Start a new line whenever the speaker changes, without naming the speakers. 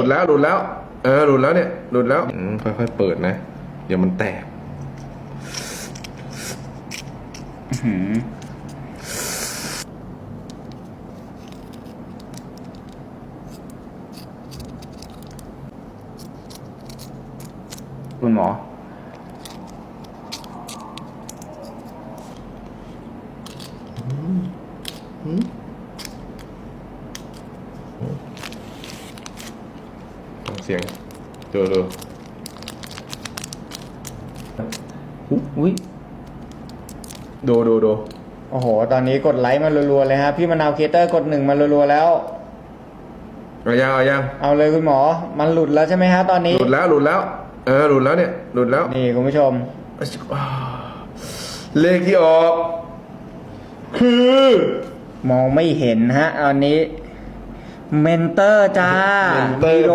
ดแล้วหลุดแล้วหลุดแล้วเนี่ยหลุดแล้วค่อยๆเปิดนะเดี๋ยวมันแตก
คุณหมอ
ฟังเสียงดู
อุ้ย
ดู
โอ้โหตอนนี้กดไลค์มารัวๆเลยฮะพี่มะนาวเคเตอร์กด1มารัวๆแล้ว
เอายัง
เอาเลยคุณหมอมันหลุดแล้วใช่ไหมฮะตอนนี้
หลุดแล้วหลุดแล้วเนี่ยหลุดแล้ว
นี่คุณผู้ชม
เลขที่ออกคือ
มองไม่เห็นฮะตอนนี้เมนเตอร์จ้า